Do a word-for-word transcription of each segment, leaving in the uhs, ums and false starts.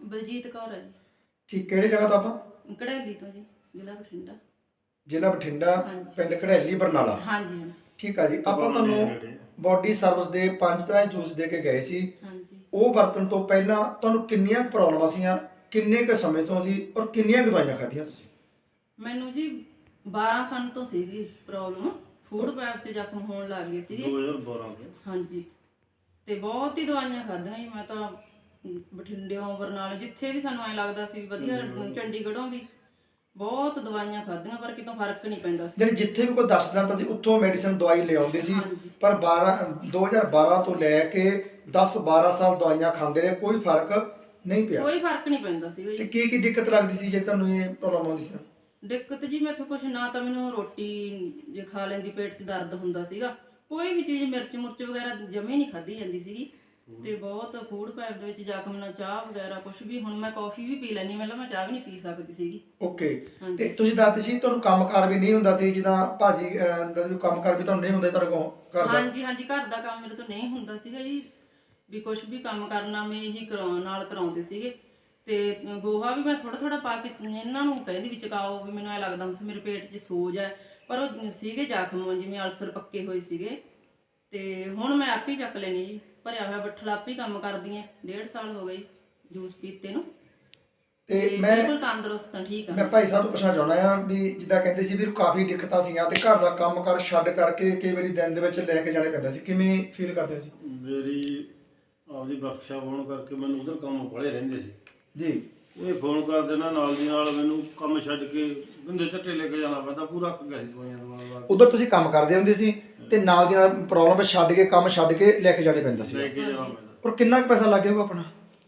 ਬਲਜੀਤ ਕੌਰ ਹੈ ਜੀ। ਠੀਕ, ਕਿਹੜੇ ਜਗ੍ਹਾ ਤੋਂ ਆਪਾਂ? ਕੜੈਲੀ ਤੋਂ ਜੀ, ਜ਼ਿਲ੍ਹਾ ਬਠਿੰਡਾ। ਜ਼ਿਲ੍ਹਾ ਬਠਿੰਡਾ, ਹਾਂਜੀ। ਪਿੰਡ ਕੜੈਲੀ, ਬਰਨਾਲਾ। ਹਾਂਜੀ ਹਾਂਜੀ ਠੀਕ ਆ ਜੀ। ਆਪਾਂ ਤੁਹਾਨੂੰ ਬੋਡੀ ਸਰਵਿਸ ਦੇ ਪੰਜ ਤਰ੍ਹਾਂ ਦੇ ਜੂਸ ਦੇ ਕੇ ਗਏ ਸੀ। ਹਾਂਜੀ। ਉਹ ਵਰਤਣ ਤੋਂ ਪਹਿਲਾਂ ਤੁਹਾਨੂੰ ਕਿੰਨੀਆਂ ਪ੍ਰੋਬਲਮਾਂ ਸੀਆਂ, ਕਿੰਨੇ ਕੁ ਸਮੇਂ ਤੋਂ ਸੀ ਔਰ ਕਿੰਨੀਆਂ ਕੁ ਦਵਾਈਆਂ ਖਾਧੀਆਂ ਤੁਸੀਂ? ਮੈਨੂੰ ਜੀ ਬਾਰਾਂ ਸਾਲ ਤੋਂ ਸੀਗੀ ਪ੍ਰੋਬਲਮ, ਫੂਡ ਪੈਪ 'ਚ ਜ਼ਖਮ ਹੋਣ ਲੱਗ ਗਏ ਸੀਗੇ ਦੋ ਹਜ਼ਾਰ ਬਾਰਾਂ ਤੋਂ। ਹਾਂਜੀ। ਤੇ ਬਹੁਤ ਹੀ ਦਵਾਈਆਂ ਖਾਧੀਆਂ ਜੀ ਮੈਂ ਤਾਂ, ਬਠਿੰਡਿਓਂ, ਬਰਨਾਲੇ, ਜਿੱਥੇ ਵੀ ਸਾਨੂੰ ਐ ਲੱਗਦਾ ਸੀ ਵੀ ਵਧੀਆ, ਚੰਡੀਗੜ੍ਹੋਂ ਵੀ ਬਹੁਤ ਦਵਾਈਆਂ ਖਾਧੀਆਂ ਪਰ ਕਿਤੋਂ ਫਰਕ ਨਹੀਂ ਪੈਂਦਾ ਸੀ। ਜਿਹੜੀ ਜਿੱਥੇ ਵੀ ਕੋਈ ਦੱਸਦਾ ਤਾਂ ਸੀ ਉੱਥੋਂ ਮੈਡੀਸਨ ਦਵਾਈ ਲਿਆਉਂਦੇ ਸੀ, ਹਾਂਜੀ। ਪਰ ਬਾਰਾਂ ਦੋ ਹਜ਼ਾਰ ਬਾਰਾਂ ਤੋਂ ਲੈ ਕੇ ਦਸ ਬਾਰਾਂ ਸਾਲ ਦਵਾਈਆਂ ਖਾਂਦੇ ਰਹੇ, ਕੋਈ ਫਰਕ ਨਹੀਂ ਪਿਆ। ਕੋਈ ਫਰਕ ਨਹੀਂ ਪੈਂਦਾ ਸੀਗਾ ਤੇ ਜੀ। ਕੀ ਕੀ ਦਿੱਕਤ ਲੱਗਦੀ ਸੀ ਜੇ ਤੁਹਾਨੂੰ ਇਹ ਪ੍ਰੋਬਲਮ ਆਉਂਦੀ ਸੀ? ਦਿੱਕਤ ਜੀ ਮੈਥੋਂ ਕੁਛ ਨਾ ਤਾਂ ਮੈਨੂੰ ਰੋਟੀ ਜੇ ਖਾ ਲੈਂਦੀ ਪੇਟ 'ਚ ਦਰਦ ਹੁੰਦਾ ਸੀਗਾ, ਕੋਈ ਵੀ ਚੀਜ਼ ਮਿਰਚ ਮੁਰਚ ਵਗੈਰਾ ਜਮੇ ਨਹੀਂ ਖਾਧੀ ਜਾਂਦੀ ਸੀਗੀ। ਤੇ ਬਹੁਤ ਫੂਡ ਪੈਪ ਦੇ ਵਿੱਚ ਜ਼ਖਮ ਨਾਲ ਚਾਹ ਵਗੈਰਾ ਕੁਛ ਵੀ, ਹੁਣ ਮੈਂ ਕਾਫੀ ਵੀ ਪੀ ਲੈਣੀ, ਮਤਲਬ ਮੈਂ ਚਾਹ ਵੀ ਨਹੀਂ ਪੀ ਸਕਦੀ ਸੀਗੀ। ਓਕੇ। ਹਾਂਜੀ। ਤੇ ਤੁਸੀਂ ਦੱਸਦੇ ਸੀ ਤੁਹਾਨੂੰ ਕੰਮਕਾਰ ਵੀ ਨਹੀਂ ਹੁੰਦਾ ਸੀ, ਜਿੱਦਾਂ ਭਾਜੀ ਅਹ, ਦਾ ਜੋ ਕੰਮਕਾਰ ਵੀ ਤੁਹਾਨੂੰ ਨਹੀਂ ਹੁੰਦਾ ਤੁਹਾਡੇ ਕੋਲ ਘਰ ਦਾ? ਹਾਂਜੀ ਹਾਂਜੀ, ਘਰ ਦਾ ਕੰਮ ਮੇਰੇ ਤੋਂ ਨਹੀਂ ਹੁੰਦਾ ਸੀਗਾ ਜੀ, ਵੀ ਕੁਛ ਵੀ ਕੰਮ ਕਰਨਾ ਮੈਂ ਇਹੀ ਕਰਾਉਣ ਨਾਲ ਕਰਾਉਂਦੇ ਸੀਗੇ। ਤੇ ਗੋਹਾ ਵੀ ਮੈਂ ਥੋੜਾ ਥੋੜਾ ਪਾ ਕੇ ਇਹਨਾਂ ਨੂੰ ਕਹਿੰਦੀ ਵੀ ਚਕਾਓ, ਵੀ ਮੈਨੂੰ ਐ ਲੱਗਦਾ ਹੁੰਦਾ ਸੀ ਮੇਰੇ ਪੇਟ 'ਚ ਸੋਜ ਹੈ, ਪਰ ਉਹ ਸੀਗੇ ਜ਼ਖਮ ਜਿਵੇਂ ਅਲਸਰ ਪੱਕੇ ਹੋਏ ਸੀਗੇ। ਤੇ ਹੁਣ ਮੈਂ ਆਪ ਹੀ ਚੱਕ ਲੈਣੀ ਜੀ, ਭਰਿਆ ਹੋਇਆ ਬੱਠਲ ਆਪ ਹੀ ਕੰਮ ਕਰਦੀ ਐ, ਡੇਢ ਸਾਲ ਹੋ ਗਏ ਜੂਸ ਪੀਤੇ ਨੂੰ। ਤੇ ਤੇ ਮੈਂ ਬਿਲਕੁਲ ਤੰਦਰੁਸਤ ਹਾਂ, ਠੀਕ ਮੈਂ ਆ। ਭਾਈ ਸਾਹਿਬ ਤੋਂ ਪੁੱਛਣਾ ਚਾਹੁੰਦਾ ਆ ਵੀ ਜਿੱਦਾਂ ਕਹਿੰਦੇ ਸੀ ਵੀ ਕਾਫੀ ਦਿੱਕਤਾਂ ਸੀਗੀਆਂ ਤੇ ਘਰ ਦਾ ਕੰਮ ਕਰ ਛੱਡ ਕਰਕੇ ਕਈ ਵਾਰੀ ਦਿਨ ਦੇ ਵਿੱਚ ਲੈ ਕੇ ਜਾਣੇ ਪੈਂਦਾ ਸੀ, ਕਿਵੇਂ ਫੀਲ ਕਰਦੇ ਸੀ? ਮੇਰੀ ਆਪਦੀ ਵਰਕਸ਼ਾਪ ਹੋਣ ਕਰਕੇ ਮੈਨੂੰ ਉਧਰ ਕੰਮ ਬੜੇ ਰਹਿੰਦੇ ਸੀ ਜੀ। ਉਹ ਫੋਨ ਕਰ ਦੇਣਾ ਨਾਲ ਦੀ ਨਾਲ, ਮੈਨੂੰ ਕੰਮ ਛੱਡ ਕੇ ਗੰਦੇ ਝੱਟੇ ਲੈ ਕੇ ਜਾਣਾ ਪੈਂਦਾ, ਪੂਰਾ ਅੱਕ ਗਿਆ ਸੀ ਦਵਾਈਆਂ ਦਵਾ ਕੇ। ਉਧਰ ਤੁਸੀਂ ਕੰਮ ਕਰਦੇ ਹੁੰਦੇ ਸੀ ਤੇ ਨਾਲ ਦੀ ਨਾਲ ਪ੍ਰੋਬਲਮ ਛੱਡ ਕੇ ਕੰਮ ਛੱਡ ਕੇ ਲੈ ਕੇ ਜਾਣੇ ਪੈਂਦਾ ਲੈ ਸੀ। ਕੇ ਜਾਣਾ ਪੈਂਦਾ। ਪਰ ਕਿੰਨਾ ਕੁ ਪੈਸਾ ਲੱਗ ਗਿਆ ਆਪਣਾ?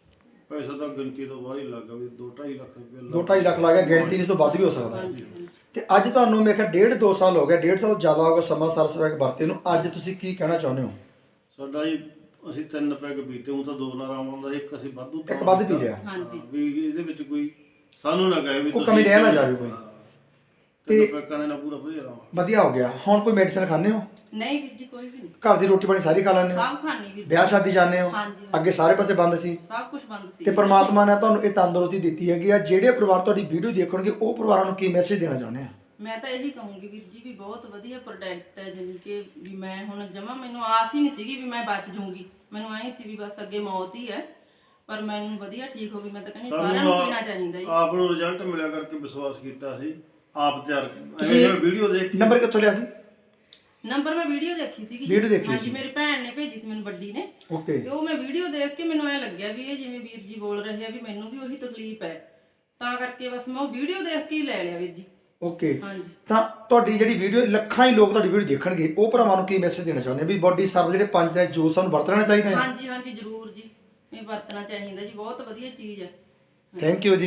ਪੈਸਾ ਤਾਂ ਗਿਣਤੀ ਤੋਂ ਬਾਹਰ ਹੀ ਲੱਗ ਗਿਆ, ਵੀ ਦੋ ਢਾਈ ਲੱਖ ਰੁਪਏ ਦੋ ਢਾਈ ਲੱਖ ਲੱਗ ਗਿਆ, ਗਿਣਤੀ ਇਸ ਤੋਂ ਵੱਧ ਵੀ ਹੋ ਸਕਦਾ। ਹਾਂਜੀ ਹਾਂਜੀ। ਤੇ ਅੱਜ ਤੁਹਾਨੂੰ ਮੇਰੇ ਖਿਆਲ ਡੇਢ ਦੋ ਸਾਲ ਹੋ ਗਿਆ, ਡੇਢ ਸਾਲ ਜ਼ਿਆਦਾ ਹੋ ਗਿਆ ਸਮਾਂ ਸਰਸ ਪੈਕ ਵਰਤੇ ਨੂੰ। ਅੱਜ ਤੁਸੀਂ ਕੀ ਕਹਿਣਾ ਚਾਹੁੰਦੇ ਹੋ? ਸਾਡਾ ਜੀ ਅਸੀਂ ਤਿੰਨ ਪੈਗ ਪੀਤੇ, ਉਹ ਤਾਂ ਦੋ ਨਾਲ ਆਰਾਮ ਆਉਂਦਾ, ਇੱਕ ਅਸੀਂ ਵਾਧੂ ਇੱਕ ਵੱਧ ਪੀ ਲਿਆ। ਹਾਂਜੀ। ਵੀ ਇਹਦੇ ਵਿੱਚ ਕੋਈ ਸਾਨੂੰ ਨਾ ਕਹੇ ਵੀ ਕੋਈ ਕਮੀ ਰਹਿ ਨਾ ਜਾਵੇ ਕੋਈ। ਤੇ ਪੈਕਾਂ ਦੇ ਨਾਲ ਪੂਰਾ ਵਧੀਆ ਆਰਾਮ। ਵਧੀਆ ਹੋ ਗਿਆ। ਹੁਣ ਕੋਈ ਮੈਡੀਸਨ ਖਾਂਦੇ ਹੋ? ਨਹੀਂ ਵੀਰ ਜੀ, ਕੋਈ ਵੀ ਨਹੀਂ। ਘਰ ਦੀ ਰੋਟੀ ਪਾਣੀ ਸਾਰੀ ਖਾ ਲੈਂਦੇ ਹੋ? ਸਭ ਖਾਣੀ ਵੀਰ ਜੀ। ਵਿਆਹ ਸ਼ਾਦੀ ਜਾਂਦੇ ਹੋ? ਹਾਂਜੀ ਅੱਗੇ ਸਾਰੇ ਪਾਸੇ ਬੰਦ ਸੀ ਸਭ ਕੁਝ ਬੰਦ ਸੀ। ਤੇ ਪ੍ਰਮਾਤਮਾ ਨੇ ਤੁਹਾਨੂੰ ਇਹ ਤੰਦਰੁਸਤੀ ਦਿੱਤੀ ਹੈਗੀ ਆ। ਜਿਹੜੇ ਪਰਿਵਾਰ ਤੁਹਾਡੀ ਵੀਡੀਓ ਦੇਖਣਗੇ ਉਹ ਪਰਿਵਾਰਾਂ ਨੂੰ ਕੀ ਮੈਸੇਜ ਦੇਣਾ ਚਾਹੁੰਦੇ ਆ? ਮੈਂ ਤਾਂ ਇਹੀ ਕਹੂੰਗੀ ਵੀਰ ਜੀ ਵੀ ਬਹੁਤ ਵਧੀਆ ਪ੍ਰੋਡਕਟ ਹੈ, ਜਿਵੇਂ ਕਿ ਵੀ ਮੈਂ ਹੁਣ ਜਮਾ, ਮੈਨੂੰ ਆਸ ਹੀ ਨਹੀਂ ਸੀਗੀ ਵੀ ਮੈਂ ਬਚ ਜੂੰਗੀ, ਮੈਨੂੰ ਐਂ ਸੀ ਵੀ ਬਸ ਅੱਗੇ ਮੌਤ ਹੀ ਹੈ, ਪਰ ਮੈਨੂੰ ਵਧੀਆ ਠੀਕ ਹੋ ਗਈ। ਮੈਂ ਤਾਂ ਕਹਿੰਦੀ ਸਾਰਿਆਂ ਨੂੰ ਪੀਣਾ ਚਾਹੀਦਾ ਜੀ। ਆਪ ਨੂੰ ਰਿਜ਼ਲਟ ਮਿਲਿਆ ਕਰਕੇ ਵਿਸ਼ਵਾਸ ਕੀਤਾ ਸੀ, ਆਪ ਤਿਆਰ ਤੁਸੀਂ ਵੀਡੀਓ ਦੇਖ ਕੇ। ਨੰਬਰ ਕਿੱਥੋਂ ਲਿਆ ਸੀ? ਨੰਬਰ ਮੈਂ ਵੀਡੀਓ ਦੇਖੀ ਸੀਗੀ। ਵੀਡੀਓ ਦੇਖੀ ਹਾਂਜੀ, ਸੀ। ਮੇਰੀ ਭੈਣ ਨੇ ਭੇਜੀ ਸੀ ਮੈਨੂੰ, ਵੱਡੀ ਨੇ। ਓਕੇ। ਤੇ ਉਹ ਮੈਂ ਵੀਡੀਓ ਦੇਖ ਕੇ ਮੈਨੂੰ ਐ ਲੱਗਿਆ ਵੀ ਇਹ ਜਿਵੇਂ ਵੀਰ ਜੀ ਬੋਲ ਰਹੇ ਆ ਵੀ ਮੈਨੂੰ ਵੀ ਉਹੀ ਤਕਲੀਫ ਹੈ, ਤਾਂ ਕਰਕੇ ਬਸ ਮੈਂ ਉਹ ਵੀਡੀਓ ਦੇਖ ਕੇ ਹੀ ਲੈ ਲਿਆ ਵੀਰ ਜੀ। ਓਕੇ। ਹਾਂਜੀ। ਤਾਂ ਤੁਹਾਡੀ ਜਿਹੜੀ ਵੀਡੀਓ ਲੱਖਾਂ ਹੀ ਲੋਕ ਤੁਹਾਡੀ ਵੀਡੀਓ ਦੇਖਣਗੇ, ਉਹ ਭਰਾਵਾਂ ਨੂੰ ਕੀ ਮੈਸੇਜ ਦੇਣਾ ਚਾਹੁੰਦੇ ਵੀ ਬੋਡੀ ਸਰਵ ਜਿਹੜੇ ਪੰਜ ਦਾ ਜੂਸ ਸਾਨੂੰ ਵਰਤਣਾ ਚਾਹੀਦਾ ਹੈ? ਹਾਂਜੀ ਹਾਂਜੀ, ਜ਼ਰੂਰ ਜੀ, ਇਹ ਵਰਤਣਾ ਚਾਹੀਦਾ ਜੀ, ਬਹੁਤ ਵਧੀਆ ਚੀਜ਼ ਹੈ। ਥੈਂਕ ਯੂ ਜੀ।